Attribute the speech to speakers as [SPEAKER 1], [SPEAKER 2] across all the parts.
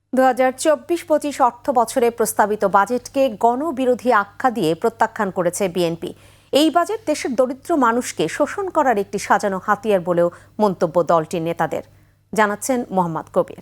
[SPEAKER 1] ২০২৪-২৫ অর্থ বছরে প্রস্তাবিত বাজেটকে গণবিরোধী আখ্যা দিয়ে প্রত্যাখ্যান করেছে বিএনপি। এই বাজেট দেশের দরিদ্র মানুষকে শোষণ করার একটি সাজানো হাতিয়ার বলেও মন্তব্য দলটির নেতাদের, জানাচ্ছেন মোহাম্মদ কবির।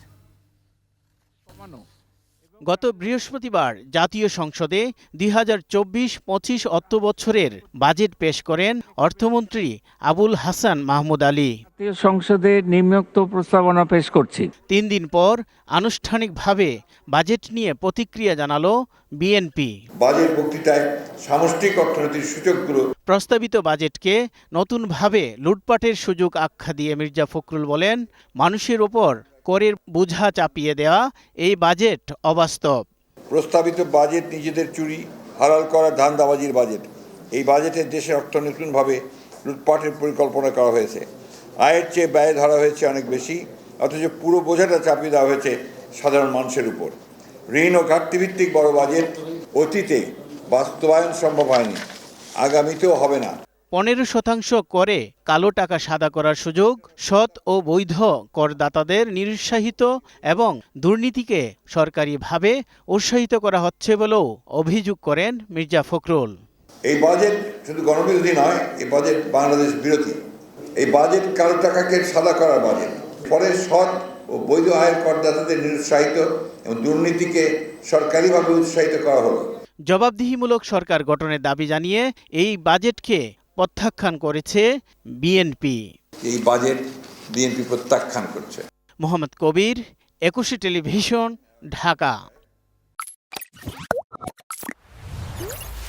[SPEAKER 2] গত বৃহস্পতিবার জাতীয় সংসদে ২০২৪-২৫ অর্থবছরের বাজেট পেশ করেন অর্থমন্ত্রী আবুল হাসান মাহমুদ আলী।
[SPEAKER 3] জাতীয় সংসদে নিম্নোক্ত প্রস্তাবনা পেশ করছি।
[SPEAKER 2] ৩ দিন পর আনুষ্ঠানিকভাবে বাজেট নিয়ে প্রতিক্রিয়া জানালো বিএনপি।
[SPEAKER 4] বাজেট বক্তৃতায় সামষ্টিক অর্থনীতির সূচকগুলো
[SPEAKER 2] প্রস্তাবিত বাজেটকে নতুনভাবে লুটপাটের সুযোগ আখ্যা দিয়ে মির্জা ফখরুল বলেন, মানুষের ওপর করের বোঝা চাপিয়ে দেওয়া এই বাজেট অবাস্তব।
[SPEAKER 4] প্রস্তাবিত বাজেট নিজেদের চুরি হালাল করা ধান্দাবাজির বাজেট। এই বাজেটে দেশের অর্থনৈতিকভাবে লুটপাটের পরিকল্পনা করা হয়েছে। আয়ের চেয়ে ব্যয় ধরা হয়েছে অনেক বেশি, অথচ পুরো বোঝাটা চাপিয়ে দেওয়া হয়েছে সাধারণ মানুষের উপর। ঋণ ও ঘাটতিভিত্তিক বড় বাজেট অতীতে বাস্তবায়ন সম্ভব হয়নি, আগামীতেও হবে না।
[SPEAKER 2] 15% করে কালো টাকা সাদা করার সুযোগ, সৎ ও বৈধ করদাতাদের নিরুৎসাহিত এবং দুর্নীতিকে সরকারিভাবে উৎসাহিত করা হচ্ছে বলেও অভিযোগ করেন মির্জা ফখরুল।
[SPEAKER 4] এই বাজেট শুধু গণবিরোধী নয়, এই বাজেট বাংলাদেশ বিরোধী। এই বাজেট কালো টাকাকে সাদা করার বাজেট। পরে সৎ ও বৈধ আয়ের করদাতাদের নিরুৎসাহিত এবং দুর্নীতিকে সরকারিভাবে উৎসাহিত করা হলো।
[SPEAKER 2] জবাবদিহিমূলক সরকার গঠনের দাবি জানিয়ে এই বাজেটকে প্রত্যাখ্যান করেছে বিএনপি।
[SPEAKER 4] এই বাজেট বিএনপি প্রত্যাখ্যান করছে।
[SPEAKER 2] মোহাম্মদ কবির, 21 টেলিভিশন, ঢাকা।